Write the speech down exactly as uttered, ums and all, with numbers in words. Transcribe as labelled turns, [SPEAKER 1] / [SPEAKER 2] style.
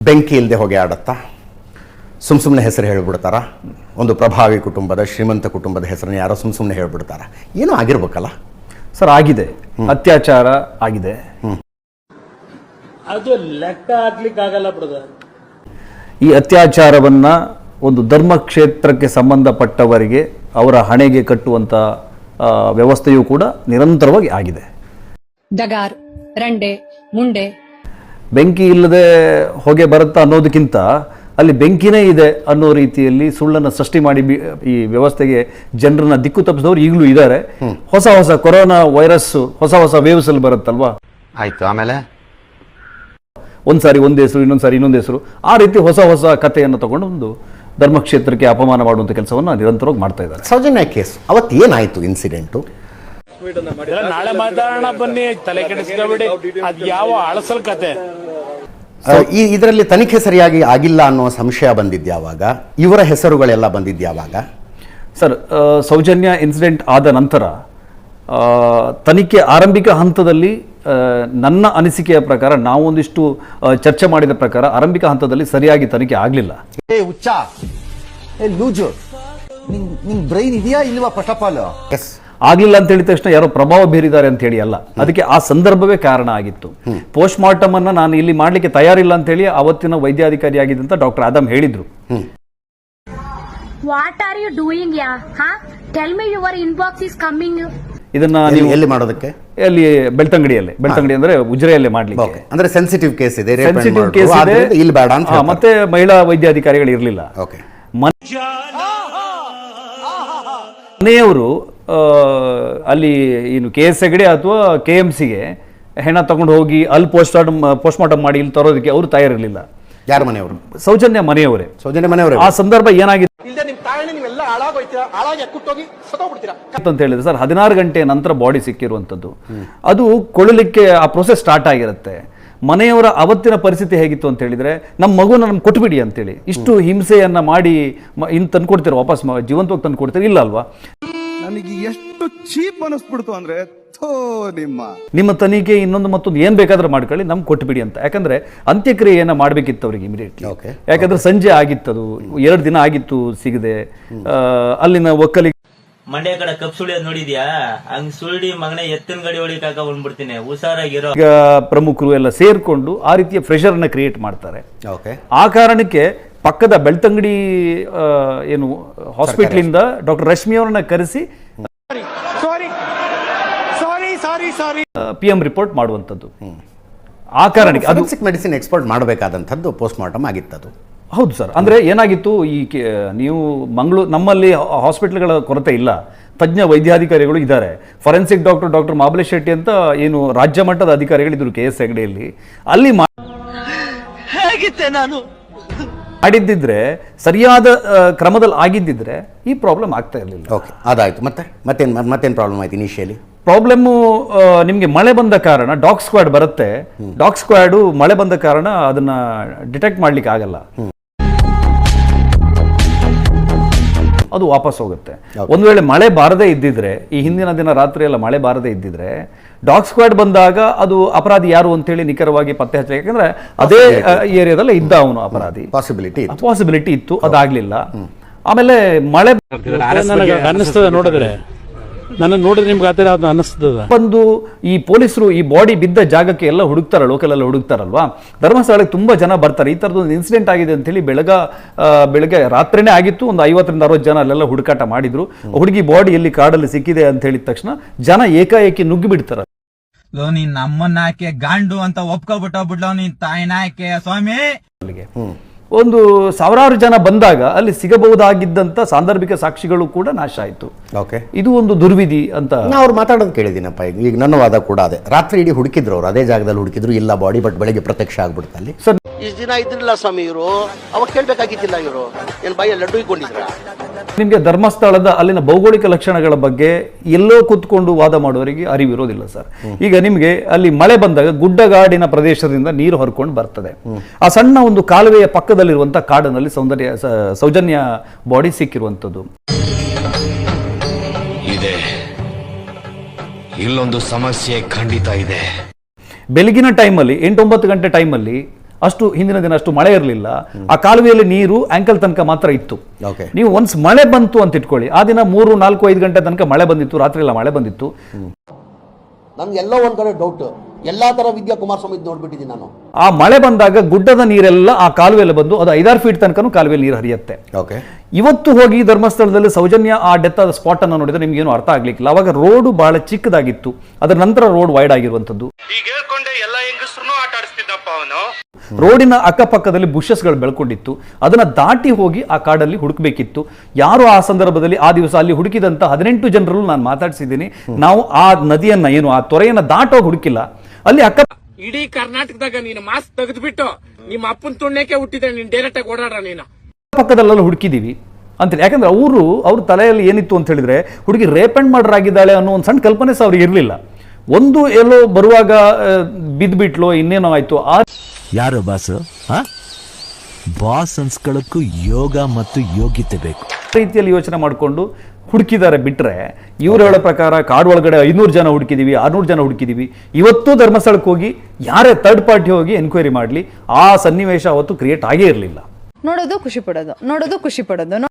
[SPEAKER 1] ಬೆಂಕಿ ಇಲ್ಲದೆ ಹೊಗೆ ಆಡುತ್ತಾ ಸುಮ್ ಸುಮ್ಮನೆ ಹೆಸರು ಹೇಳ್ಬಿಡ್ತಾರ. ಒಂದು ಪ್ರಭಾವಿ ಕುಟುಂಬದ ಶ್ರೀಮಂತ ಕುಟುಂಬದ ಹೆಸರನ್ನು ಯಾರೋ ಸುಮ್ ಸುಮ್ಮನೆ ಹೇಳ್ಬಿಡ್ತಾರ. ಏನೋ ಆಗಿರ್ಬೇಕಲ್ಲ
[SPEAKER 2] ಸರ್. ಆಗಿದೆ, ಅತ್ಯಾಚಾರ ಆಗಿದೆ.
[SPEAKER 3] ಅದು ಲೆಕ್ಕ ಹಾಕ್ಲಿಕ್ಕೆ ಆಗಲ್ಲ ಬ್ರದರ್.
[SPEAKER 2] ಈ ಅತ್ಯಾಚಾರವನ್ನ ಒಂದು ಧರ್ಮಕ್ಷೇತ್ರಕ್ಕೆ ಸಂಬಂಧಪಟ್ಟವರಿಗೆ ಅವರ ಹಣೆಗೆ ಕಟ್ಟುವಂತ ವ್ಯವಸ್ಥೆಯೂ ಕೂಡ ನಿರಂತರವಾಗಿ ಆಗಿದೆ.
[SPEAKER 4] ದಗಾರ್, ರಂಡೆ, ಮುಂಡೆ.
[SPEAKER 2] ಬೆಂಕಿ ಇಲ್ಲದೆ ಹೊಗೆ ಬರುತ್ತಾ ಅನ್ನೋದಕ್ಕಿಂತ ಅಲ್ಲಿ ಬೆಂಕಿನೇ ಇದೆ ಅನ್ನೋ ರೀತಿಯಲ್ಲಿ ಸುಳ್ಳನ್ನು ಸೃಷ್ಟಿ ಮಾಡಿ ಈ ವ್ಯವಸ್ಥೆಗೆ ಜನರನ್ನ ದಿಕ್ಕು ತಪ್ಪಿಸಿದವರು ಈಗಲೂ ಇದ್ದಾರೆ. ಹೊಸ ಹೊಸ ಕೊರೋನಾ ವೈರಸ್ ಹೊಸ ಹೊಸ ವೇವ್ಸ್ ಅಲ್ಲಿ ಬರುತ್ತಲ್ವಾ,
[SPEAKER 1] ಆಯ್ತು. ಆಮೇಲೆ
[SPEAKER 2] ಒಂದ್ಸಾರಿ ಒಂದ್ ಹೆಸರು, ಇನ್ನೊಂದ್ಸಾರಿ ಇನ್ನೊಂದು ಹೆಸರು, ಆ ರೀತಿ ಹೊಸ ಹೊಸ ಕಥೆಯನ್ನು ತಗೊಂಡು ಒಂದು ಧರ್ಮಕ್ಷೇತ್ರಕ್ಕೆ ಅಪಮಾನ ಮಾಡುವಂತ ಕೆಲಸವನ್ನ ನಿರಂತರವಾಗಿ ಮಾಡ್ತಾ ಇದ್ದಾರೆ.
[SPEAKER 1] ಸೌಜನ್ಯ ಕೇಸ್ ಅವತ್ತು ಏನಾಯ್ತು ಇನ್ಸಿಡೆಂಟು?
[SPEAKER 3] ನಾಳೆ ಮಾತಾಡೋಣ ಬನ್ನಿ, ತಲೆ ಕೆಡಿಸ್ಕೊಬೇಡಿ. ಅದ್ ಯಾವ ಅಳಸಲ್ ಕತೆ.
[SPEAKER 1] ಈ ಇದರಲ್ಲಿ ತನಿಖೆ ಸರಿಯಾಗಿ ಆಗಿಲ್ಲ ಅನ್ನೋ ಸಂಶಯ ಬಂದಿದ್ಯಾವಾಗ? ಇವರ ಹೆಸರುಗಳೆಲ್ಲ ಬಂದಿದ್ಯಾವಾಗ?
[SPEAKER 2] ಸರ್, ಸೌಜನ್ಯ ಇನ್ಸಿಡೆಂಟ್ ಆದ ನಂತರ ತನಿಖೆ ಆರಂಭಿಕ ಹಂತದಲ್ಲಿ ನನ್ನ ಅನಿಸಿಕೆಯ ಪ್ರಕಾರ, ನಾವೊಂದಿಷ್ಟು ಚರ್ಚೆ ಮಾಡಿದ ಪ್ರಕಾರ ಆರಂಭಿಕ ಹಂತದಲ್ಲಿ ಸರಿಯಾಗಿ ತನಿಖೆ ಆಗಲಿಲ್ಲ.
[SPEAKER 5] ಬ್ರೈನ್ ಇದೆಯಾ ಇಲ್ವಾ? ಫಸ್ಟ್ ಆಫ್ ಆಲ್
[SPEAKER 2] ಆಗ್ಲಿಲ್ಲ ಅಂತ ಹೇಳಿದ ತಕ್ಷಣ ಯಾರೋ ಪ್ರಭಾವ ಬೀರಿದ್ದಾರೆ ಅಂತ ಹೇಳಿ ಅಲ್ಲ, ಅದಕ್ಕೆ ಆ ಸಂದರ್ಭವೇ ಕಾರಣ ಆಗಿತ್ತು. ಪೋಸ್ಟ್ ಮಾರ್ಟಮ್ ಅನ್ನ ನಾನು ಇಲ್ಲಿ ಮಾಡ್ಲಿಕ್ಕೆ ತಯಾರಿಲ್ಲ ಅಂತ ಹೇಳಿ ಅವತ್ತಿನ ವೈದ್ಯಾಧಿಕಾರಿ ಆಗಿದ್ದಂತ ಡಾಕ್ಟರ್ ಆದಮ್ ಹೇಳಿದ್ರು.
[SPEAKER 6] What are you doing? Yeah ಹಾ tell me your inbox is coming.
[SPEAKER 2] ಇದನ್ನ ನೀವು
[SPEAKER 1] ಎಲ್ಲಿ ಮಾಡೋದಕ್ಕೆ?
[SPEAKER 2] ಅಲ್ಲಿ ಬೆಳ್ತಂಗಡಿಯಲ್ಲಿ. ಬೆಳ್ತಂಗಡಿ ಅಂದ್ರೆ ಉಜಿರೆಯಲ್ಲೇ ಮಾಡ್ಲಿಕ್ಕೆ.
[SPEAKER 1] ಅಂದ್ರೆ ಸೆನ್ಸಿಟಿವ್ ಕೇಸ್ ಇದೆ,
[SPEAKER 2] ಸೆನ್ಸಿಟಿವ್ ಕೇಸ್ ಇದೆ,
[SPEAKER 1] ಇಲ್ಲಿ ಬೇಡ ಅಂತ.
[SPEAKER 2] ಮತ್ತೆ ಮಹಿಳಾ ವೈದ್ಯಾಧಿಕಾರಿಗಳು ಇರಲಿಲ್ಲ. ಮನೆಯವರು ಅಲ್ಲಿ ಏನು ಕೆ ಎಸ್ ಹೆಗಡೆ ಅಥವಾ ಕೆ ಎಂ ಸಿಗೆ ಹೆಣ ತಗೊಂಡು ಹೋಗಿ ಅಲ್ಲಿ ಪೋಸ್ಟ್ ಮಾರ್ಟಮ್ ಪೋಸ್ಟ್ ಮಾರ್ಟಮ್ ಮಾಡಿ ಇಲ್ಲಿ ತರೋದಕ್ಕೆ ಅವರು ತಯಾರಿರಲಿಲ್ಲ.
[SPEAKER 1] ಯಾರ ಮನೆಯವರು?
[SPEAKER 2] ಸೌಜನ್ಯ ಮನೆಯವರೇ.
[SPEAKER 1] ಸೌಜನ್ಯ ಮನೆಯವರೇ.
[SPEAKER 2] ಆ ಸಂದರ್ಭ ಏನಾಗಿತ್ತು ಅಂತ ಹೇಳಿದ್ರೆ ಸರ್, ಹದಿನಾರು ಗಂಟೆ ನಂತರ ಬಾಡಿ ಸಿಕ್ಕಿರುವಂತದ್ದು. ಅದು ಕೊಳಲಿಕ್ಕೆ ಆ ಪ್ರೊಸೆಸ್ ಸ್ಟಾರ್ಟ್ ಆಗಿರುತ್ತೆ. ಮನೆಯವರ ಅವತ್ತಿನ ಪರಿಸ್ಥಿತಿ ಹೇಗಿತ್ತು ಅಂತ ಹೇಳಿದ್ರೆ, ನಮ್ಮ ಮಗುನ ನಮ್ಗೆ ಕೊಟ್ಬಿಡಿ ಅಂತೇಳಿ ಇಷ್ಟು ಹಿಂಸೆಯನ್ನ ಮಾಡಿ ಇನ್ ತಂದ್ಕೊಡ್ತೀರ, ವಾಪಸ್ ಜೀವಂತವಾಗಿ ತಂದು ಕೊಡ್ತೀರ? ಇಲ್ಲ ಅಲ್ವಾ?
[SPEAKER 5] ನನಗೆ ಎಷ್ಟು ಚೀಪ್ ಅನಿಸ್ಬಿಡ್ತು ಅಂದ್ರೆ, ನಿಮ್ಮ
[SPEAKER 2] ನಿಮ್ಮ ತನಿಖೆ ಇನ್ನೊಂದು ಮತ್ತೊಂದು ಏನ್ ಬೇಕಾದ್ರೂ ಮಾಡ್ಕೊಳ್ಳಿ, ನಮ್ಗೆ ಕೊಟ್ಬಿಡಿ ಅಂತ. ಯಾಕಂದ್ರೆ ಅಂತ್ಯಕ್ರಿಯೆಯನ್ನ ಮಾಡ್ಬೇಕಿತ್ತು ಅವ್ರಿಗೆ ಇಮಿಡಿಯೇಟ್ಲಿ. ಯಾಕಂದ್ರೆ ಸಂಜೆ ಆಗಿತ್ತದು, ಎರಡು ದಿನ ಆಗಿತ್ತು ಸಿಗದೆ. ಅಲ್ಲಿನ ಒಕ್ಕಲಿಗ
[SPEAKER 7] ಮಂಡ್ಯ ಕಡೆ ಕಪ್ ಸುಳಿಯೋದ್ ನೋಡಿದ್ಯಾ? ಹಂಗ್ ಸುಳ್ಳಿ ಮಗನೇ ಎತ್ತಿನ ಗಡಿ ಹೊಡಿಕಾಕ ಬಂದ್ಬಿಡ್ತೀನಿ, ಹುಷಾರಾಗಿರೋ.
[SPEAKER 2] ಈಗ ಪ್ರಮುಖರು ಎಲ್ಲ ಸೇರ್ಕೊಂಡು ಆ ರೀತಿಯ ಪ್ರೆಷರ್ ಅನ್ನ ಕ್ರಿಯೇಟ್ ಮಾಡ್ತಾರೆ. ಆ ಕಾರಣಕ್ಕೆ ಪಕ್ಕದ ಬೆಳ್ತಂಗಡಿ ಏನು ಹಾಸ್ಪಿಟಲ್ ಇಂದ ಡಾಕ್ಟರ್ ರಶ್ಮಿ ಅವರನ್ನ ಕರೆಸಿ ಪಿ ಎಂ ರಿಪೋರ್ಟ್ ಮಾಡುವಂತದ್ದು. ಆ ಕಾರಣಕ್ಕೆ ಅದು
[SPEAKER 1] ಮೆಡಿಸಿನ್ ಎಕ್ಸ್ಪೋರ್ಟ್ ಮಾಡಬೇಕಾದಂಥದ್ದು ಪೋಸ್ಟ್ ಮಾರ್ಟಮ್ ಆಗಿತ್ತದು.
[SPEAKER 2] ಹೌದು ಸರ್. ಅಂದ್ರೆ ಏನಾಗಿತ್ತು, ಈ ನೀವು ಮಂಗಳೂರು ನಮ್ಮಲ್ಲಿ ಹಾಸ್ಪಿಟಲ್ಗಳ ಕೊರತೆ ಇಲ್ಲ, ತಜ್ಞ ವೈದ್ಯಾಧಿಕಾರಿಗಳು ಇದ್ದಾರೆ. Forensic doctor doctor Mahabalesh Shetty ಅಂತ ಏನು ರಾಜ್ಯ ಮಟ್ಟದ ಅಧಿಕಾರಿಗಳಿದ್ರು ಕೆ ಎಸ್ ಹೆಗಡೆಯಲ್ಲಿ. ಅಲ್ಲಿ
[SPEAKER 7] ನಾನು
[SPEAKER 2] ಮಾಡಿದ್ದಿದ್ರೆ, ಸರಿಯಾದ ಕ್ರಮದಲ್ಲಿ ಆಗಿದ್ದಿದ್ರೆ ಈ ಪ್ರಾಬ್ಲಮ್ ಆಗ್ತಾ ಇರಲಿಲ್ಲ.
[SPEAKER 1] ಓಕೆ, ಅದಾಯ್ತು. ಮತ್ತೆ ಮತ್ತೇನ್ ಮತ್ತೇನು ಪ್ರಾಬ್ಲಮ್ ಆಯ್ತು ಇನಿಷಿಯಲಿ?
[SPEAKER 2] ಪ್ರಾಬ್ಲಮ್ಮು ನಿಮಗೆ ಮಳೆ ಬಂದ ಕಾರಣ ಡಾಗ್ ಸ್ಕ್ವಾಡ್ ಬರುತ್ತೆ. ಡಾಗ್ ಸ್ಕ್ವಾಡು ಮಳೆ ಬಂದ ಕಾರಣ ಅದನ್ನ ಡಿಟೆಕ್ಟ್ ಮಾಡ್ಲಿಕ್ಕೆ ಆಗಲ್ಲ, ಅದು ವಾಪಸ್ ಹೋಗುತ್ತೆ. ಒಂದು ವೇಳೆ ಮಳೆ ಬಾರದೇ ಇದ್ದಿದ್ರೆ, ಈ ಹಿಂದಿನ ದಿನ ರಾತ್ರಿ ಎಲ್ಲ ಮಳೆ ಬಾರದೇ ಇದ್ದಿದ್ರೆ, ಡಾಗ್ ಸ್ಕ್ವಾಡ್ ಬಂದಾಗ ಅದು ಅಪರಾಧಿ ಯಾರು ಅಂತೇಳಿ ನಿಖರವಾಗಿ ಪತ್ತೆ ಹಚ್ಚ. ಯಾಕಂದ್ರೆ ಅದೇ ಏರಿಯಾದಲ್ಲೇ ಇದ್ದ ಅವನು ಅಪರಾಧಿ,
[SPEAKER 1] ಪಾಸಿಬಿಲಿಟಿ
[SPEAKER 2] ಪಾಸಿಬಿಲಿಟಿ ಇತ್ತು, ಅದಾಗ್ಲಿಲ್ಲ. ಆಮೇಲೆ ಮಳೆ
[SPEAKER 3] ಅನ್ನಿಸ್ತದೆ ನೋಡಿದ್ರೆ, ನನ್ನ ನೋಡಿದ್ರೆ ನಿಮ್ಗೆ ಆ ಥರ ಅನ್ನಿಸ್ತದ.
[SPEAKER 2] ಬಂದು ಈ ಪೊಲೀಸರು ಈ ಬಾಡಿ ಬಿದ್ದ ಜಾಗಕ್ಕೆ ಎಲ್ಲ ಹುಡುಕ್ತಾರ, ಲೋಕಲ್ ಎಲ್ಲ ಹುಡುಕ್ತಾರಲ್ವಾ, ಧರ್ಮಸ್ಥಳಕ್ಕೆ ತುಂಬಾ ಜನ ಬರ್ತಾರೆ. ಈ ತರದೊಂದು ಇನ್ಸಿಡೆಂಟ್ ಆಗಿದೆ ಅಂತ ಹೇಳಿ ಬೆಳಗ ಬೆಳಗ್ಗೆ ರಾತ್ರಿನೇ ಆಗಿತ್ತು. ಒಂದು ಐವತ್ತರಿಂದ ಅರವತ್ತು ಜನ ಅಲ್ಲೆಲ್ಲ ಹುಡುಕಾಟ ಮಾಡಿದ್ರು. ಹುಡುಗಿ ಬಾಡಿ ಎಲ್ಲಿ ಕಾಡಲ್ಲಿ ಸಿಕ್ಕಿದೆ ಅಂತ ಹೇಳಿದ ತಕ್ಷಣ ಜನ ಏಕಾಏಕಿ ನುಗ್ಗಿ ಬಿಡ್ತಾರ.
[SPEAKER 7] ನೀನ್ ನಮ್ಮನ್ನ ಹಾಕಿ ಗಾಂಡು ಅಂತ ಒಪ್ಕೊಬಿಟ್ಟ ಬಿಡ್ಲೋ ನೀನ್ ತಾಯಿನ ಹಾಕಿ ಸ್ವಾಮಿ.
[SPEAKER 2] ಅಲ್ಲಿಗೆ ಒಂದು ಸಾವಿರಾರು ಜನ ಬಂದಾಗ ಅಲ್ಲಿ ಸಿಗಬಹುದಾಗಿದ್ದಂತ ಸಾಂದರ್ಭಿಕ ಸಾಕ್ಷಿಗಳು ಕೂಡ ನಾಶ ಆಯ್ತು. ಇದು ಒಂದು ದುರ್ವಿಧಿ ಅಂತ
[SPEAKER 1] ಅವ್ರು ಮಾತಾಡೋದು ಕೇಳಿದ್ದೀನಪ್ಪ. ಈಗ ಈಗ ನನ್ನ ವಾದ ಕೂಡ ಅದೇ. ರಾತ್ರಿ ಇಡೀ ಹುಡುಕಿದ್ರು, ಅವ್ರು ಅದೇ ಜಾಗದಲ್ಲಿ ಹುಡುಕಿದ್ರು, ಇಲ್ಲ ಬಾಡಿ, ಬಟ್ ಬೆಳಗ್ಗೆ ಪ್ರತ್ಯಕ್ಷ ಆಗ್ಬಿಡ್ತು ಅಲ್ಲಿ.
[SPEAKER 2] ಸರ್,
[SPEAKER 8] ಇಷ್ಟು ದಿನ ಇದ್ರಿಲ್ಲ ಸ್ವಾಮಿ ಇವರು, ಅವಾಗ ಕೇಳ್ಬೇಕಾಗಿದ್ದಿಲ್ಲ. ಇವರು ಏನ್ ಬಾಯ ಲಡ್ಡು ಇಟ್ಕೊಂಡಿದ್ರ?
[SPEAKER 2] ನಿಮ್ಗೆ ಧರ್ಮಸ್ಥಳದ ಅಲ್ಲಿನ ಭೌಗೋಳಿಕ ಲಕ್ಷಣಗಳ ಬಗ್ಗೆ ಎಲ್ಲೋ ಕೂತ್ಕೊಂಡು ವಾದ ಮಾಡುವವರಿಗೆ ಅರಿವಿರೋದಿಲ್ಲ ಸರ್. ಈಗ ನಿಮ್ಗೆ ಅಲ್ಲಿ ಮಳೆ ಬಂದಾಗ ಗುಡ್ಡಗಾಡಿನ ಪ್ರದೇಶದಿಂದ ನೀರು ಹೊರ್ಕೊಂಡು ಬರ್ತದೆ. ಆ ಸಣ್ಣ ಒಂದು ಕಾಲುವೆಯ ಪಕ್ಕದಲ್ಲಿರುವಂತಹ ಕಾಡಿನಲ್ಲಿ ಸೌಂದರ್ಯ ಸೌಜನ್ಯ ಬಾಡಿ ಸಿಕ್ಕಿರುವಂತದ್ದು
[SPEAKER 9] ಇದೆ. ಇಲ್ಲೊಂದು ಸಮಸ್ಯೆ ಖಂಡಿತ ಇದೆ.
[SPEAKER 2] ಬೆಳಗಿನ ಟೈಮಲ್ಲಿ ಎಂಟೊಂಬತ್ತು ಗಂಟೆ ಟೈಮಲ್ಲಿ ಅಷ್ಟು ಹಿಂದಿನ ದಿನ ಅಷ್ಟು ಮಳೆ ಇರಲಿಲ್ಲ, ಆ ಕಾಲುವೆಯಲ್ಲಿ ನೀರು ಆಂಕಲ್ ತನಕ ಮಾತ್ರ ಇತ್ತು.
[SPEAKER 1] Okay.
[SPEAKER 2] ನೀವು ಒನ್ಸ್ ಮಳೆ ಬಂತು ಅಂತ ಇಟ್ಕೊಳ್ಳಿ, ಆ ದಿನ ಮೂರು ನಾಲ್ಕು ಐದು ಗಂಟೆ ತನಕ ಮಳೆ ಬಂದಿತ್ತು, ರಾತ್ರಿ ಎಲ್ಲ ಮಳೆ ಬಂದಿತ್ತು.
[SPEAKER 8] ನನ್ಗೆ ಎಲ್ಲೋ ಒಂದ್ ಕಡೆ ಡೌಟ್, ಎಲ್ಲಾ ತರ ವಿದ್ಯಾ ಕುಮಾರಸ್ವಾಮಿ ನೋಡ್ಬಿಟ್ಟಿದ್ದೀನಿ ನಾನು.
[SPEAKER 2] ಆ ಮಳೆ ಬಂದಾಗ ಗುಡ್ಡದ ನೀರೆಲ್ಲ ಆ ಕಾಲುವೆಯಲ್ಲಿ ಬಂದು ಅದು ಐದಾರು ಫೀಟ್ ತನಕನೂ ಕಾಲುವೆಯಲ್ಲಿ ನೀರು ಹರಿಯುತ್ತೆ.
[SPEAKER 1] ಓಕೆ.
[SPEAKER 2] ಇವತ್ತು ಹೋಗಿ ಧರ್ಮಸ್ಥಳದಲ್ಲಿ ಸೌಜನ್ಯ ಆ ಡೆತ್ ಆದ ಸ್ಪಾಟ್ ಅನ್ನು ನೋಡಿದ್ರೆ ನಿಮ್ಗೆ ಏನು ಅರ್ಥ ಆಗ್ಲಿಕ್ಕಿಲ್ಲ. ಅವಾಗ ರೋಡ್ ಬಹಳ ಚಿಕ್ಕದಾಗಿತ್ತು, ಅದರ ನಂತರ ರೋಡ್ ವೈಡ್ ಆಗಿರುವಂತದ್ದು. ರೋಡಿನ ಅಕ್ಕಪಕ್ಕದಲ್ಲಿ ಬುಷಸ್ಗಳು ಬೆಳ್ಕೊಂಡಿತ್ತು, ಅದನ್ನ ದಾಟಿ ಹೋಗಿ ಆ ಕಾಡಲ್ಲಿ ಹುಡುಕ್ಬೇಕಿತ್ತು. ಯಾರು ಆ ಸಂದರ್ಭದಲ್ಲಿ ಆ ದಿವಸ ಅಲ್ಲಿ ಹುಡುಕಿದಂತ ಹದಿನೆಂಟು ಜನರಲ್ಲೂ ನಾನು ಮಾತಾಡ್ಸಿದ್ದೀನಿ. ನಾವು ಆ ನದಿಯನ್ನ ಏನು ಆ ತೊರೆಯನ್ನ ದಾಟೋಗಿ ಹುಡುಕಿಲ್ಲ, ಅಲ್ಲಿ ಅಕ್ಕ
[SPEAKER 3] ಇಡೀ ಕರ್ನಾಟಕದಾಗ ನೀನು ಮಾಸ್ಕ್ ತೆಗೆದ್ಬಿಟ್ಟು ನಿಮ್ಮ ಅಪ್ಪನ ತುಣ್ಣಕ್ಕೆ ಹುಟ್ಟಿದ್ರೆ ನೀನ್ ಡೈರೆಕ್ಟ್ ಆಗಿ ಓಡಾಡ ನೀನು
[SPEAKER 2] ಪಕ್ಕದಲ್ಲೆಲ್ಲ ಹುಡುಕಿದೀವಿ ಅಂತೇಳಿ. ಯಾಕಂದ್ರೆ ಅವರು ಅವ್ರ ತಲೆಯಲ್ಲಿ ಏನಿತ್ತು ಅಂತ ಹೇಳಿದ್ರೆ ಹುಡುಗಿ ರೇಪ್ ಅಂಡ್ ಮರ್ಡರ್ ಆಗಿದ್ದಾಳೆ ಅನ್ನೋ ಒಂದು ಸಣ್ಣ ಕಲ್ಪನೆ ಸಹ ಅವ್ರಿಗೆ ಇರಲಿಲ್ಲ. ಒಂದು ಎಲ್ಲೋ ಬರುವಾಗ ಬಿದ್ಬಿಟ್ಲು, ಇನ್ನೇನೋ ಆಯ್ತು. ಆ
[SPEAKER 9] ಯಾರು ಬಾಸ್? ಬಾಸ್ ಅನ್ಸ್ಕೊಳ್ಳಕ್ಕೂ ಯೋಗ ಮತ್ತು ಯೋಗ್ಯತೆ ಬೇಕು.
[SPEAKER 2] ರೀತಿಯಲ್ಲಿ ಯೋಚನೆ ಮಾಡಿಕೊಂಡು ಹುಡುಕಿದ್ದಾರೆ ಬಿಟ್ರೆ, ಇವ್ರು ಹೇಳೋ ಪ್ರಕಾರ ಕಾಡು ಒಳಗಡೆ ಐನೂರು ಜನ ಹುಡುಕಿದೀವಿ, ಆರ್ನೂರು ಜನ ಹುಡುಕಿದೀವಿ. ಇವತ್ತು ಧರ್ಮಸ್ಥಳಕ್ಕೆ ಹೋಗಿ ಯಾರೇ ಥರ್ಡ್ ಪಾರ್ಟಿ ಹೋಗಿ ಎನ್ಕ್ವೈರಿ ಮಾಡಲಿ, ಆ ಸನ್ನಿವೇಶ ಅವತ್ತು ಕ್ರಿಯೇಟ್ ಆಗೇ ಇರಲಿಲ್ಲ.
[SPEAKER 10] ನೋಡೋದು ಖುಷಿ ಪಡೋದು, ನೋಡೋದು ಖುಷಿ ಪಡೋದು.